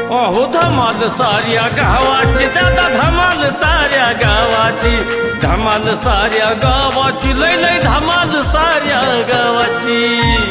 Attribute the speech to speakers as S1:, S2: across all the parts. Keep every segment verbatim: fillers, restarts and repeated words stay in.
S1: अहो धमाल साऱ्या गावाची दादा धमाल साऱ्या गावाची धमाल साऱ्या गावाची लय लय धमाल साऱ्या गावाची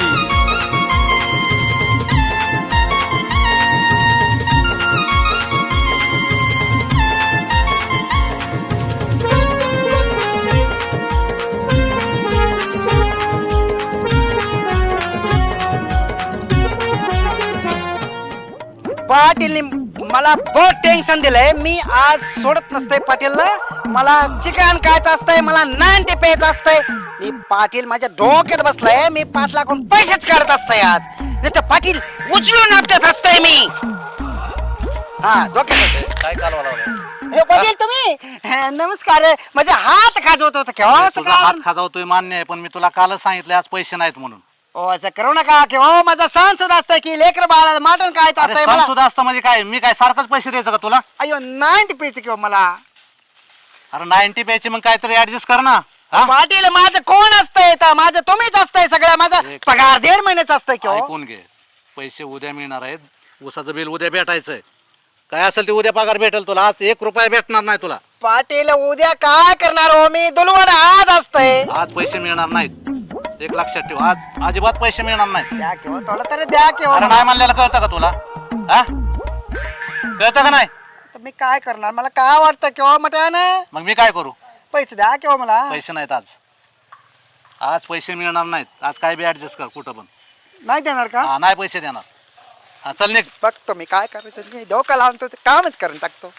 S2: पाटील मला बहुत टेन्शन दिलंय. मी आज सोडत नसतंय पाटीलला. मला चिकन खायचं असतंय, मला नाईन्टी प्यायचं असतंय. मी पाटील माझ्या डोक्यात बसलाय. मी पाटलाकडून पैसेच काढत असतंय आज. नाही तर पाटील उचलून आपटत असतंय मी. हा डोक्यात
S3: काय कालवा लावला?
S2: हे पाटील तुम्ही हा, नमस्कार. माझा हात खाजवत होता केव्हा
S3: तुझा हात खाजावतोय मान्य आहे, पण मी तुला कालच सांगितलं आज पैसे नाहीत म्हणून.
S2: ओ असं करू नका की हो माझा सण सुद्धा असतंय की लेकर बाळाला मटण खायचं
S3: अरे
S2: असतंय
S3: सण
S2: मला.
S3: सुद्धा असतं म्हणजे काय? मी काय सारखंच पैसे द्यायचं का तुला?
S2: अयो नाईन्टी प्यायचं किंवा मला
S3: अरे नाईन्टी प्यायची मग काहीतरी ऍडजस्ट कर ना. हा?
S2: पाटील माझं कोण असतंय तर माझं तुम्हीच असतंय सगळं. माझा
S3: एक-
S2: पगार दीड महिन्याचा असतंय किंवा
S3: ऐकून घे, पैसे उद्या मिळणार आहेत. ऊसाचं बिल उद्या भेटायचंय. काय असेल ते उद्या पगार भेटेल तुला. आज एक रुपया भेटणार नाही तुला.
S2: पाटील उद्या काय करणार हो मी? दुलवड आज असतंय.
S3: आज पैसे मिळणार नाहीत, एक लक्षात ठेव. आज अजिबात पैसे मिळणार नाहीत.
S2: द्या किंवा थोडं तरी द्या
S3: अरे
S2: किंवा
S3: नाही म्हणलेलं कळतं का तुला? हा कळतं का नाही?
S2: मी काय करणार? मला काय वाटतं किंवा मटण
S3: मग मी काय करू?
S2: पैसे द्या किंवा मला.
S3: पैसे नाहीत आज. आज पैसे मिळणार नाहीत. आज काय बी ऍडजस्ट कर कुठं पण.
S2: नाही देणार का?
S3: हा नाही पैसे देणार. हा चल निघ.
S2: बघतो मी काय करायचं. मी डोकं लावून तो कामच करून टाकतो.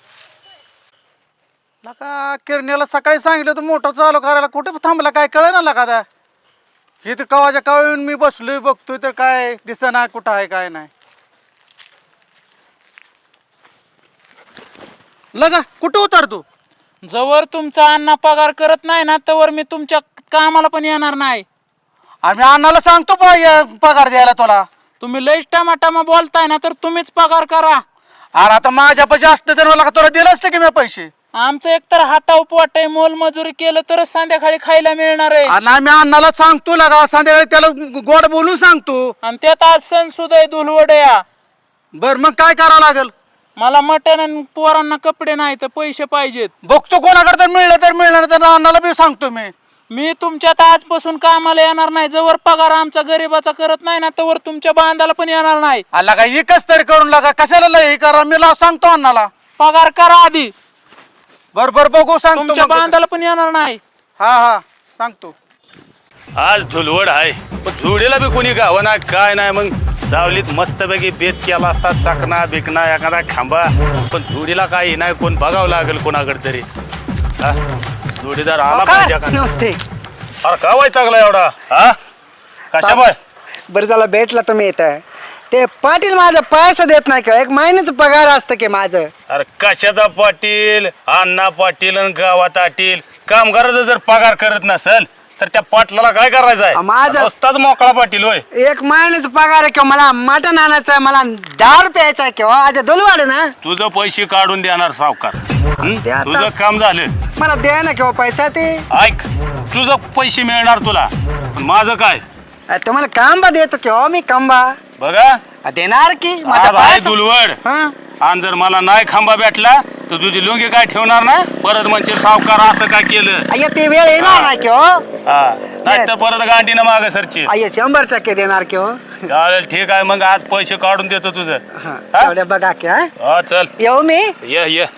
S4: लका किरण्याला सकाळी सांगितलं तर मोटर चालू करायला कुठे थांबला काय कळ ना लका त्या हे तर कवाच्या कवा येऊन मी बसलोय बघतोय तर काय दिसेना कुठं आहे काय नाही. लगा कुठं उतर तू?
S5: जवळ तुमचा अण्णा पगार करत नाही ना तवर मी तुमच्या कामाला पण येणार नाही.
S4: आम्ही अण्णाला सांगतो बा या पगार द्यायला तुला.
S5: तुम्ही लईच टमाटामा बोलताय ना तर तुम्हीच पगार करा.
S4: अरे आता माझ्या पैसे असते तर मला तुला दिलं असतं की मी पैसे.
S5: आमचं एकतर हातावर पोट आहे, मोलमजुरी केलं तरच संध्याकाळी खायला मिळणार आहे.
S4: आणि आम्ही अण्णाला सांगतो लगा संध्याकाळी त्याला गोड बोलून सांगतो.
S5: आणि त्यात आज सण सुद्धा धुलवड या.
S4: बर मग काय करावं लागेल?
S5: मला मटण आणि पोरांना कपडे नाही तर पैसे पाहिजेत.
S4: बघतो कोणाकडे तर मिळलं तर मिळणार तर अण्णाला बी सांगतो मी.
S5: मी तुमच्यात आजपासून कामाला येणार नाही. जवळ पगार आमचा गरीबाचा करत नाही ना तवर तुमच्या बांधाला पण येणार नाही.
S4: आला का एकच तरी करून लागा कशाला लय हे करा. मी ला सांगतो अण्णाला.
S5: पगार करा आधी.
S4: बर बर बघू सांगतो
S5: तुमच्या
S4: मग.
S5: बांधाला पण येणार नाही.
S4: हा हा सांगतो.
S1: आज धुलवड आहे पण धुळीला बी कोणी गावं ना काय नाही. मग सावलीत मस्तपैकी बेत केला असता चाकणा बिकना एखादा खांबा. पण धुळीला काही नाही कोण बघावं लागेल कोणाकडे तरी. हा जोडीदार आला पाहिजे का?
S2: नमस्ते.
S1: अरे का वैतागला एवढा? हा कशा बाय?
S2: बरं झालं भेटला तुम्ही इथं. ते पाटील माझा पैसा देत नाही का? एक महिन्याचं पगार असतं की माझं.
S1: अरे कशाचा पाटील? अण्णा पाटील आणि गावात आटील. कामगाराचा जर पगार करत नसेल तर त्या पाटलाला काय करायचं आहे?
S2: माझा-
S1: रस्ताच मोकळा पाटील होय.
S2: एक महिन्याचा पगार आहे किंवा मला मटण आणायचं आहे, मला डाळ प्यायचा आहे किंवा आज दुलवाड ना.
S1: तुझं पैसे काढून देणार सावकार. हं?
S2: ते आता-
S1: तुझं काम झालं.
S2: मला द्या ना किंवा पैसा ते.
S1: ऐक तुझं पैसे मिळणार तुला. पण माझं काय?
S2: अ, तुम्हाला कांबा देतो किंवा मी कांबा
S1: बघा
S2: अ, देणार की माझा
S1: आज आहे
S2: पैसा-
S1: दुलवड.
S2: हा
S1: आणि जर मला नाही खांबा भेटला तर तुझी लुंगी काय ठेवणार ना? परत म्हणजे सावकार असं काय केलं?
S2: अय्या ते वेळ येणार नाही किंवा
S1: हा नाही तर परत गांडीनं मागे सरची.
S2: अय्या शंभर टक्के देणार किंवा.
S1: चालेल ठीक आहे मग आज पैसे काढून देतो तुझं.
S2: हा
S1: हा?
S2: तेवढ्या बघा की. हा
S1: हा चल
S2: येऊ मी.
S1: ये ये.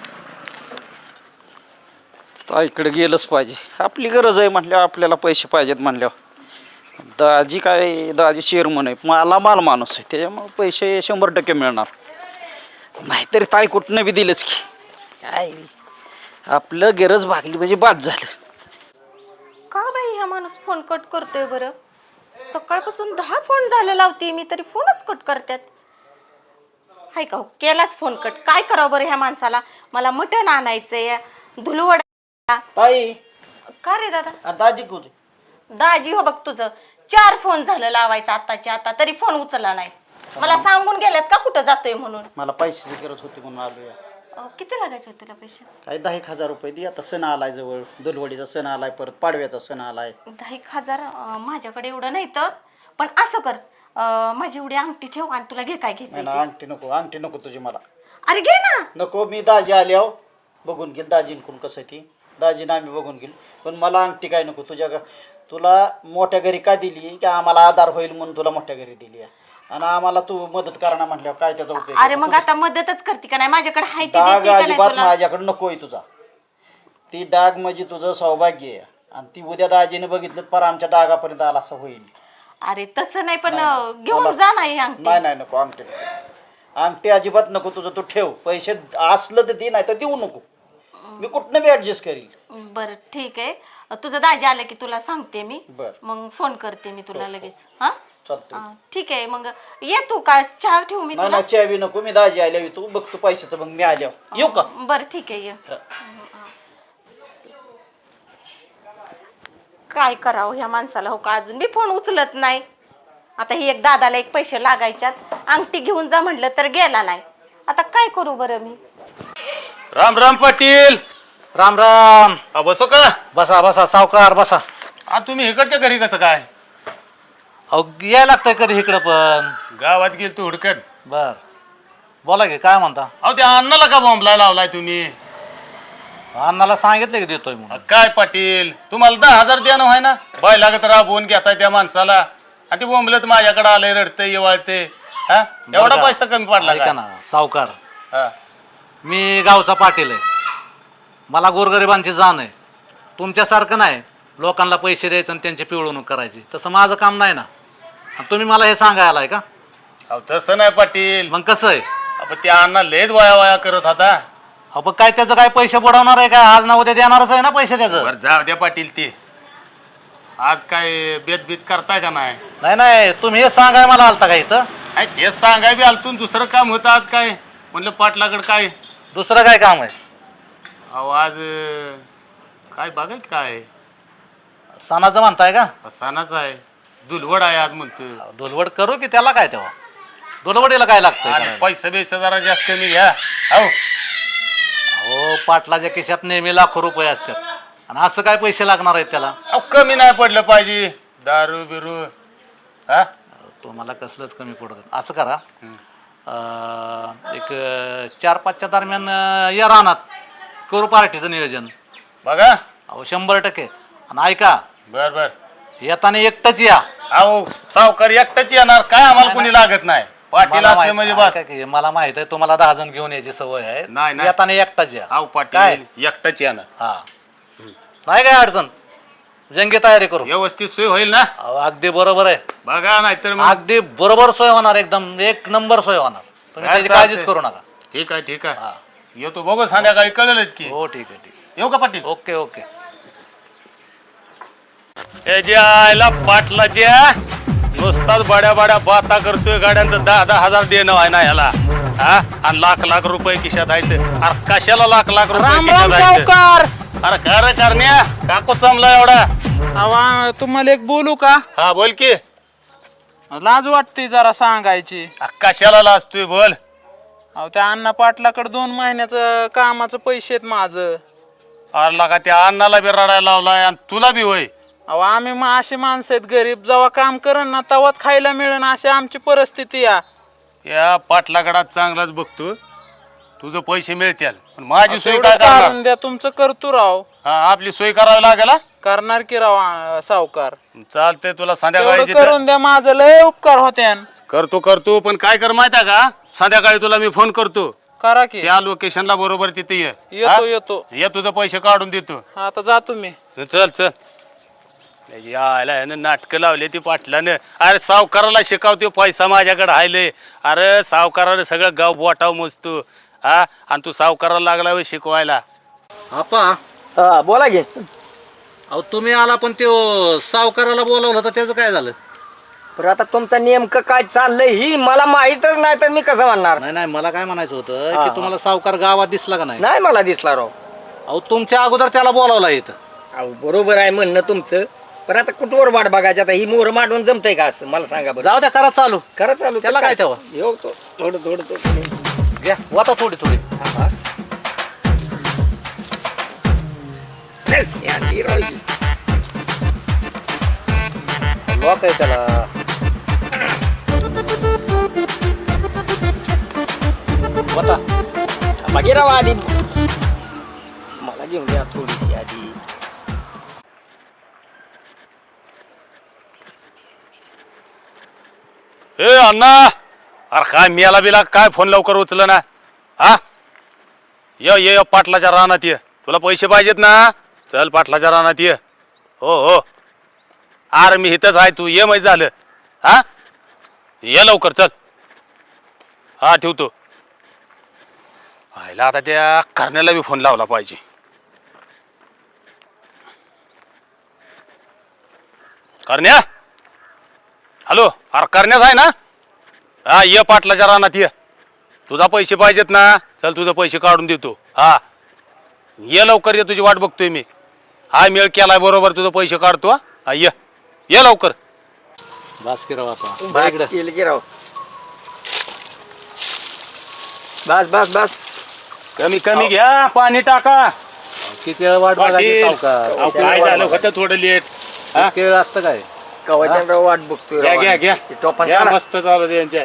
S6: इकडे गेलंच पाहिजे. आपली गरज आहे म्हटल्यावर आपल्याला पैसे पाहिजेत म्हणल्यावर. दाजी काय दाजी चेअरमन आहे, मला माल माणूस आहे, त्याच्यामुळे पैसे शंभर टक्के मिळणार. नाहीतरी ताई कुठनं बी दिलंच की काय आपलं गरज भागली म्हणजे बाद झालं.
S7: का बाई हा माणूस फोन कट करतोय बरं? सकाळपासून दहा फोन झाले लावते मी तरी फोनच कट करतात. हाय का हो, केलाच फोन कट. काय करावं बरं ह्या माणसाला? मला मटण आणायचंय, धुलवड.
S6: ताई
S7: का रे दादा?
S6: अरे दाजी कुठे?
S7: दाजी हो बघ तुझं चार फोन झालं लावायचं आताच्या आता तरी फोन उचलला नाही. मला सांगून गेल्यात का कुठं जातोय म्हणून?
S6: मला पैशाची गरज होती म्हणून आलो या.
S7: अं, किती लागायचे होते तुला पैसे?
S6: काय दहा एक हजार रुपये दे. आता सण आलाय जवळ, दुलवडीचा सण आलाय, परत पाडव्याचा सण आलाय.
S7: दहा एक हजार अं, माझ्याकडे एवढं नाही तर. पण असं कर, अं, माझी एवढी अंगठी ठेव आणि तुला घे काय
S6: नाही
S7: घ्यायचं
S6: ना अंगठी नको अंगठी नको तुझी मला
S7: अरे घे ना.
S6: नको. मी दाजी आल्यावर बघून घेईल दाजींकडून कसं आहे ती दाजीनं आम्ही बघून घेईल. पण मला अंगठी काय नको. तुझ्या घ- तुला मोठ्या घरी का दिली की आम्हाला आधार होईल म्हणून तुला मोठ्या घरी दिली आहे. आणि आम्हाला तू मदत करणार म्हटल्यावर काय त्याचा उपयोग
S7: अरे मग आता मदतच करते का नाही माझ्याकडे हाय ती
S6: डाग
S7: देते का नाही
S6: अजिबात
S7: तुला.
S6: माझ्याकडे नकोय तुझा. ती डाग म्हणजे तुझं सौभाग्य आहे आणि ती उद्या दाजीने बघितलं पर आमच्या डागापर्यंत आला असं होईल.
S7: अरे तसं नाही पण
S6: नाही,
S7: घेऊन
S6: मला-
S7: जा ना ही अंगठी.
S6: नाही नाही नको अंगठी नको. अंगठी अजिबात नको. तुझं तू ठेव. पैसे असलं तर दे नाही तर देऊ नको. मी कुठनं बी ऍडजस्ट करील.
S7: बरं ठीक आहे तुझं दाजी आलं की तुला सांगते मी.
S6: बरं.
S7: मग फोन करते मी तुला लगेच. हा
S6: चालतंय.
S7: हा, ठीक आहे मग ये तू का चहा ठेवू मी
S6: नाही
S7: तुला.
S6: ना चहा बी नको. मी दाजी आल्या तू बघ तू पैशाचं मग मी आल्यावर येऊ का.
S7: बरं ठीक आहे ये. काय करावं ह्या माणसाला हो का अजून बी फोन उचलत नाही. आता ही एक दादाला एक पैसे लागायच्यात अंगठी घेऊन जा म्हटलं तर गेला नाही. आता काय करू बरं मी.
S1: राम राम पाटील.
S3: राम राम.
S1: हा, बसो का.
S3: बसा बसा सावकार बसा.
S1: हा, तुम्ही इकडच्या घरी कसं काय.
S3: अहो यायला लागतंय कधी इकडं पण.
S1: गावात गेल तू हुडकत.
S3: बर बोला की काय म्हणता.
S1: अहो त्या अण्णाला का बॉम्बला लावलाय तुम्ही.
S3: अण्णाला सांगितलं की देतोय म्हणून.
S1: अ, काय पाटील तुम्हाला दहा हजार द्या ना व्हाय ना. बाय लागत राबवून घेताय त्या माणसाला आणि ते बोंबलत माझ्याकडे आलंय रडतंय येवाळते. हा एवढा
S3: बरं का?
S1: पैसा कमी पडला
S3: ऐका
S1: का.
S3: ना सावकार
S1: हा.
S3: मी गावचा पाटील आहे. मला गोरगरिबांची जाण आहे. तुमच्यासारखं नाही लोकांना पैसे द्यायचं आणि त्यांची पिळवणूक करायची. तसं माझं काम नाही ना. आणि तुम्ही मला हे सांगायला आहे का.
S1: अहो तसं नाही पाटील.
S3: मग कसं आहे.
S1: आपण त्या अण्णा लेद वाया वाया करत होता.
S3: अहो पण काय त्याचं काय पैसे बुडवणार आहे का. आज ना उद्या देणारच आहे ना पैसे त्याचं.
S1: बरं जाऊ द्या पाटील ते. आज काय बेत बीत करताय का नाही.
S3: नाही नाही तुम्ही हे सांगाय मला आलता का इथं.
S1: काय तेच सांगाय बी आलतून दुसरं काम होतं आज काय म्हणलं पाटलाकडे काय.
S3: दुसरं काय काम आहे.
S1: अहो आज अं, काय बघायत काय
S3: सणाचं म्हणताय का.
S1: सणाच आहे. दुलवड आहे आज म्हणतो.
S3: धुलवड करू की त्याला काय तेव्हा. धुलवडीला काय लागतंय
S1: आणि
S3: करायला?
S1: पैसे बिसे जरा जास्त कमी घ्या. हो
S3: अहो पाटलाच्या खिशात नेहमी लाखो रुपये असतात आणि असं काय पैसे लागणार आहेत त्याला.
S1: अहो कमी नाही पडलं पाहिजे. दारू बिरू हा
S3: तुम्हाला कसलंच कमी पडत. असं करा अं, एक अं, चार पाचच्या दरम्यान अं, या रानात करू पार्टीचं नियोजन.
S1: बघा.
S3: अहो शंभर टक्के. आणि ऐका
S1: बर बर.
S3: येताना एकटंच या.
S1: अहो सावकार एकटाच येणार काय आम्हाला कोणी लागत नाही. पाटील
S3: मला
S1: असले
S3: माहित-
S1: म्हणजे बस.
S3: ऐका की, मला माहित आहे तुम्हाला दहा जण घेऊन यायची सवय आहे.
S1: नाही, नाही.
S3: येताना एकटाच या.
S1: अहो
S3: काय?
S1: पाटील एकटाच येणार.
S3: हा नाही काय अडचण. जंगी तयारी करू.
S1: व्यवस्थित सोय होईल ना.
S3: अहो, अगदी बरोबर आहे.
S1: बघा नाहीतर मग.
S3: अगदी बरोबर सोय होणार. एकदम एक नंबर सोय होणार. तुम्ही
S1: काय
S3: त्याची काळजीच
S1: चालतंय.
S3: करू नका.
S1: ठीक आहे ठीक
S3: हा.
S1: आहे. येतो बघू संध्याकाळी कळेलच की.
S3: हो ठीक आहे ठीक
S1: येऊ का पाटील.
S3: आहे. Okay okay.
S1: हे जे आयला पाटलाच्या नुसताच बड्या बड्या बाता करतोय. गाड्यांचं दहा दहा हजार देणं आहे ना ह्याला. हा आणि लाख लाख रुपये खिशात आहेत. अरे कशाला लाख लाख रुपये
S5: राम राम
S1: खिशात आहेत.
S5: सावकार.
S1: अरे काय रे करण्या काको चमला एवढा.
S5: अहो तुम्हाला एक बोलू का.
S1: हा बोल की.
S5: लाज वाटते जरा सांगायची.
S1: अरे कशाला लाजतोय बोल.
S5: अहो त्या अण्णा पाटलाकडे दोन महिन्याचं कामाचं पैसे आहेत माझं.
S1: अरे लागा त्या अण्णाला बी रडायला लावलाय आणि तुला बी होय.
S5: अहो आम्ही मग असे माणसं आहेत गरीब. जेव्हा काम करण ना तेव्हाच खायला मिळेल अशी आमची परिस्थिती या.
S1: या पाटलाकडात चांगलाच बघतो. तुझं पैसे मिळतील पण माझी सोय
S5: तेवढं
S1: काय करणार.
S5: काढून द्या तुमचं करतो राव.
S1: हा आपली सोय करावी लागेल. हा?
S5: करणार की राव अं, सावकार.
S1: चालतंय तुला संध्याकाळी
S5: तेवढं करून द्या माझं लय उपकार होते.
S1: करतो करतो पण काय कर माहिती आहे का. संध्याकाळी तुला मी फोन करतो.
S5: करा की.
S1: त्या लोकेशनला बरोबर तिथे ये.
S5: येतो
S1: हा?
S5: येतो.
S1: ये तुझं पैसे काढून देतो.
S5: आता जातो मी.
S1: चल चल. यायला नाटक लावले ती पाटलानं. अरे सावकाराला शिकावतो पैसा माझ्याकडे हायले. अरे सावकाराला सगळं गाव बोटाव मोजतो. हा आणि तू सावकाराला लागला होय शिकवायला.
S3: आपा
S8: हा बोला घे.
S3: अहो तुम्ही आला पण त्यो सावकाराला बोलावलं होतं त्याचं काय झालं.
S8: पण आता तुमचं नेमकं काय चाललंय ही मला माहीतच नाही तर मी कसं म्हणणार.
S3: नाही नाही मला काय म्हणायचं होतं की तुम्हाला सावकार गावात दिसला का नाही.
S8: नाही मला दिसला राव.
S3: अहो तुमच्या अगोदर त्याला बोलावला इथं.
S8: अहो बरोबर आहे म्हणणं तुमचं. पण आता कुठवर वाट बघायची. आता ही मोहर मांडून जमतंय का असं मला सांगा बरं.
S3: जाऊ द्या करा चालू.
S8: खरं चालू
S3: त्याला काय तेव्हा?
S8: येऊ तो थोडं थोडं थोडं.
S3: घ्या वाता थोडी थोडी. लॉक आहे त्याला.
S8: गिराव आधी मला घेऊन द्या थोडीशी आधी.
S1: ए अण्णा, अरे काय मियाला बिला काय फोन लवकर उचल ना. हा ये ये ये, पाटलाच्या रानात ये. तुला पैसे पाहिजेत ना, चल पाटलाच्या रानात ये. हो हो, अरे मी इथंच आहे, तू ये माहिती झालं. हा ये लवकर चल. हा ठेवतो. आयला आता त्या करण्याला बी फोन लावला पाहिजे. करण्या, हॅलो, अरे करण्याच आहे ना. हा ये पाटलाच्या रानात ये. तुझा पैसे पाहिजेत ना, चल तुझं पैसे काढून देतो. हा ये लवकर ये, तुझी वाट बघतोय मी. हा मेळ केलाय बरोबर, तुझं पैसे काढतो. हा ये ये लवकर.
S3: बस की राव आता. बरं
S8: बस
S3: इकडं.
S8: केलं गिराव. बस बस बस
S1: कमी कमी घ्या, पाणी टाका.
S3: किती वेळ वाट बघायची
S1: पाटील,
S3: सावकार?
S1: अहो, काय झालं होतं थोडं लेट. हा?
S3: इतके वेळ असतं काय?
S8: कवाच्या वाट बघतोय
S1: घ्या
S8: राव.
S1: घ्या घ्या
S8: ते टोपण
S1: घ्या,
S8: काढा.
S1: मस्त चालू दे यांच्या.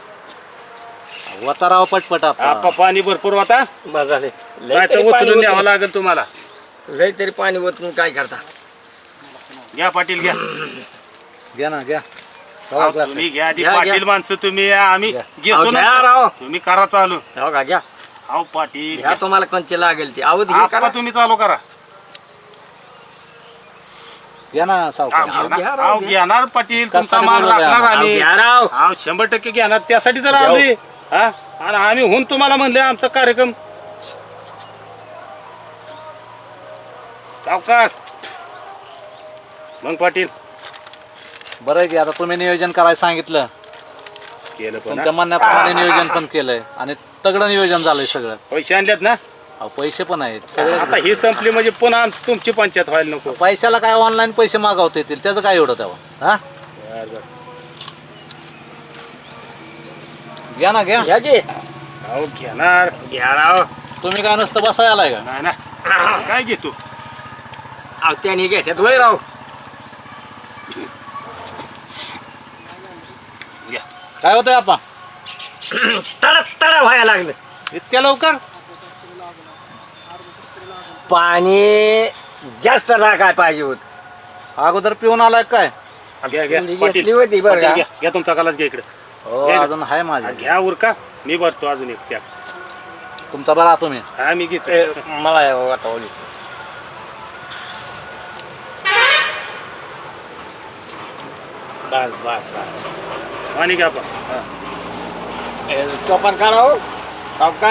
S3: वताराव पटपट
S1: आपा
S3: आपा.
S1: पाणी भरपूर होता.
S8: बस झाले. लय
S1: काय तर
S8: तरी पाणी
S1: उचलून न्यावं
S8: ओतून-
S1: लागेल तुम्हाला.
S8: लय तरी पाणी ओतून काय करता.
S1: घ्या पाटील घ्या.
S3: घ्या ना घ्या.
S1: अहो,
S3: राव, glass.
S1: तुम्ही घ्या आधी,
S8: घ्या,
S1: पाटील
S8: घ्या.
S1: माणसं तुम्ही, आम्ही
S3: घ्या.
S1: घेतो
S8: अहो, घ्या
S1: ना.
S8: राव.
S1: तुम्ही करा चालू.
S8: हो का घ्या.
S1: अहो पाटील
S8: घ्या तुम्हाला कंचे लागेल ते. अहो हे
S1: आपा
S8: करा.
S1: तुम्ही चालू करा.
S3: घ्या ना
S1: अहो,
S3: सावकार.
S1: घेणार-
S8: घ्या राव,
S1: अहो,
S8: घ्या.
S1: घेणार पाटील, तुमचा
S3: कशासाठी
S1: माल
S3: बोलवलंय
S1: राखणार
S3: आम्हाला?
S1: आम्ही.
S8: घ्या राव.
S1: अहो शंभर टक्के घेणार, त्यासाठी जर आम्ही. हा आणि आम्ही होऊन तुम्हाला म्हणले आमचा कार्यक्रम. सावकाश मग पाटील
S3: बरं आहे की आता तुम्ही नियोजन करायला सांगितलं.
S1: केलं पण
S3: तुमच्या
S1: हा?
S3: म्हणण्याप्रमाणे नियोजन पण केलंय आणि तगडं नियोजन झालंय सगळं.
S1: पैसे आणलेत ना.
S3: अहो, पैसे पण आहेत सगळे.
S1: आता ही संपली म्हणजे पुन्हा तुमची पंचायत व्हायला नको.
S3: पैशाला काय ऑनलाईन पैसे मागवता येतील, त्याचं काय एवढं तेव्हा. हा
S1: बरं, बरं.
S3: घ्या ना घ्या.
S8: घ्या की.
S1: अहो घेणार.
S8: घ्या राव.
S3: तुम्ही काय नुसतं बसाय आलाय का?
S1: नाही ना, काय घेतो.
S8: अहो त्याने घेतात वय राव.
S1: घ्या.
S3: काय होतंय आपा?
S8: तडा तडा व्हायला लागलं.
S3: इतक्या लवकर?
S8: पाणी जास्त टाकाय पाहिजे होत.
S3: अगोदर पिऊन आलाय काय?
S1: घ्या घ्या
S8: थोडी
S1: पाटील.
S8: घेतली होती बरं
S1: पाटील,
S8: का?
S1: घ्या घ्या तुमचा कलाच घ्या इकडे.
S3: हो
S1: घ्या ना.
S3: अजून आहे माझे.
S1: घ्या उरका, मी भरतो अजून एक पॅक.
S3: तुमचा बरा तुम्ही.
S1: हा मी घेतो.
S8: ए, मला वाटवली. बस बस बस.
S1: पाणी घ्या आपण. हा.
S8: टोपण काढा हो सावकार.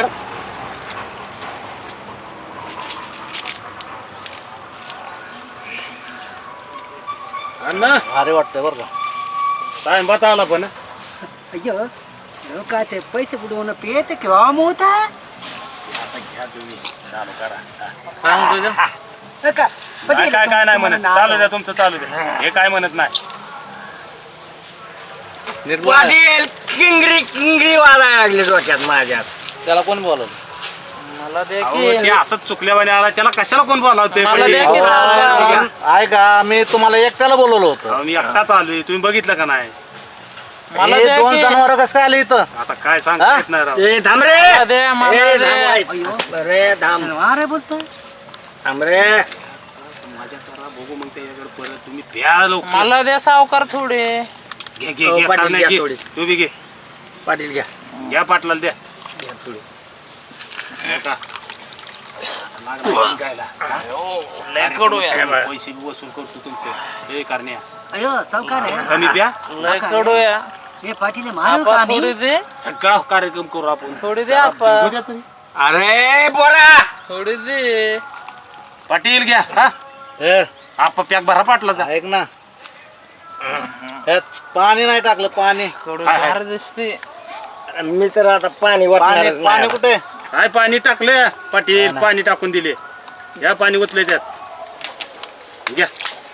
S1: अण्णा
S3: भारी वाटतंय बरं का.
S1: टाइम बता आला पण.
S2: अय्यो लोकांचे पैसे बुडवणं पेत किंवा मोठा
S1: घ्या तुम्ही चालू करा.
S3: काय म्हणतोय ते?
S2: का
S1: काय काय काय नाही म्हणत, चालू द्या तुमचं चालू द्या. हे काय म्हणत नाही.
S3: नीट बोला.
S8: पाटील किंगरी किंगरी वाजायला लागले डोक्यात माझ्यात.
S3: त्याला कोण बोलवलं?
S5: मला दे
S1: अहो,
S5: की
S1: ते असंच चुकल्यावाने आला, त्याला कशाला कोण बोलावते.
S5: मला द्या की सावकार.
S3: ऐका मी तुम्हाला एकट्याला बोलवलं होतं.
S1: मी एकटाच आलोय, तुम्ही बघितलं का नाही.
S5: मला
S3: हे
S5: द्या
S3: दोन
S5: की.
S3: जनावर कसं काय आले इथं?
S1: आता काय सांगता येत नाही राव.
S8: ए थांब रे.
S5: मला दे, मला
S8: ए,
S5: दे.
S8: थांब वाईट. रे थांब
S2: अरे बोलतोय
S8: थांब रे.
S1: माझ्या करा बघू मग त्याच्याकडे परत. तुम्ही प्या लवकर.
S5: मला द्या सावकार थोडे.
S1: घे घे
S8: हो,
S1: घे,
S8: पाटील,
S1: करण्या,
S8: घ्या
S1: घे.
S8: थोडी.
S1: तू बी घे.
S8: पाटील घ्या.
S1: घ्या पाटलाला द्या.
S8: घ्या थोडी.
S1: हे का? लागलं गायला.
S5: लय कडू आहे.
S1: पैसे बी वसूल करतो तुमचे. हे करण्या
S2: अयो सावकार आहे
S1: कमी प्या.
S5: लय कडू आहे.
S2: हे पाटील मारू का
S5: आपा
S2: आम्ही
S5: थोडी दे,
S1: सगळा कार्यक्रम करू आपण.
S5: थोडी दे आपा,
S8: अरे बोरा.
S5: थोडी दे.
S1: पाटील घ्या. हा
S3: हे,
S1: आप पॅक भरा पाटला.
S3: ऐक ना, ह्यात पाणी नाही टाकलं. पाणी
S5: कडू
S1: हाय, हाय.
S5: झार दिसते.
S8: मी तर आता पाणी
S3: पाणी
S8: वाटणारच
S3: पाणी
S8: नाही.
S3: कुठे?
S1: काय पाणी टाकलं पाटील, पाणी टाकून दिले. घ्या पाणी ओतले त्यात. घ्या.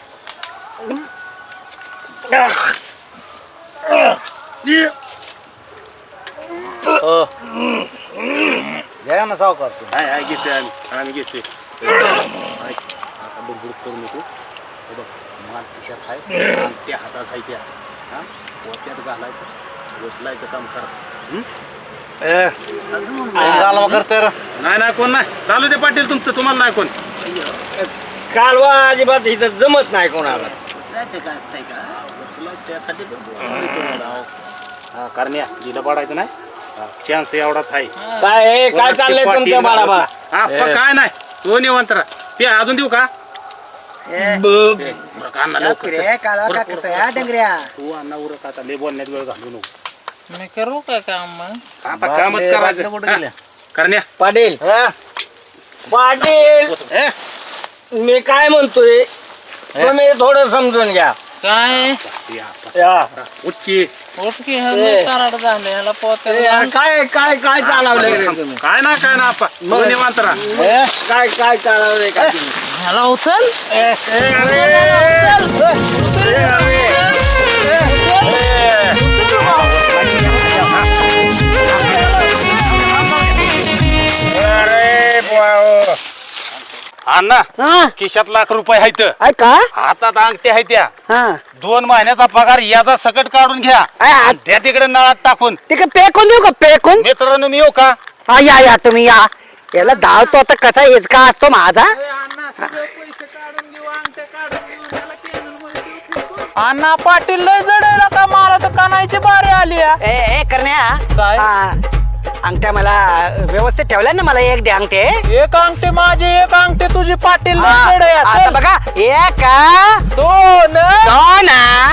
S3: हो. घ्या ना सावकार तुम्ही.
S1: हाय हाय घेतोय आम्ही. आम्ही घेतोय. हाय. आता बुडबुड करू नको. हे बघ, माल खिशात आहे आणि त्या हातात आहे त्या. हा ओत्यात घालायचं, ओतलायचं काम करा. हं?
S3: गालवा करतोय रे.
S1: नाही नाही कोण नाही चालू दे पाटील तुमचं तुम्हाला नाही कोण
S8: कालवा अजिबात इथं जमत नाही कोणाला
S1: हा करण्या जिला पडायचं नाही चान्स एवढाच आहे
S8: काय काय चाललंय तुमचं बाळा बाळा
S1: हा पण काय नाही तो निवांत राहा. पे अजून देऊ का बरं, का अण्णा लवकर चल.
S2: रे कालवा का करतोय हा डंगऱ्या
S1: तू अण्णा उरक आता लय बोलण्यात वेळ घालू नको
S5: मी करू काय काम मग
S1: आता कामच करायचं हा. करण्या
S8: पाटील पाटील मी काय म्हणतोय तुम्ही थोडं समजून घ्या
S5: काय
S8: या.
S1: उच्ची
S5: ओटकी कराड झाले ह्याला पोत्या
S8: ए, काय काय काय चालवलंय रे तुम्ही
S1: काय ना काय ना आपा तू निवांत राहा
S8: काय काय चालवलंय का तुम्ही?
S5: ह्याला उचल
S1: अण्णा
S2: हा
S1: खिशात लाख रुपये आहेत
S2: ऐका
S1: हातात अंगठी आहे त्या
S2: हा
S1: दोन महिन्याचा पगार याचा सकट काढून घ्या
S2: आ, आ,
S1: त्या तिकडे नळात टाकून
S2: ते का पेकून देऊ का पेकून
S1: मित्रांनो मी येऊ का
S2: हा या या तुम्ही या याला धावतो आता कसा हेच का असतो माझा
S5: अण्णा पाटील लय जडायला का मला तर कानायची बारी आली आ.
S2: ए ए करण्या
S5: काय?
S2: हा, अंगठ्या मला व्यवस्थित ठेवल्या ना मला एक दे अंगठे
S5: एक अंगठी माझी एक अंगठी तुझी पाटील लय
S2: हा,
S5: जड आहे.
S2: आता
S5: चल.
S2: बघा एक
S5: दोन
S2: दोन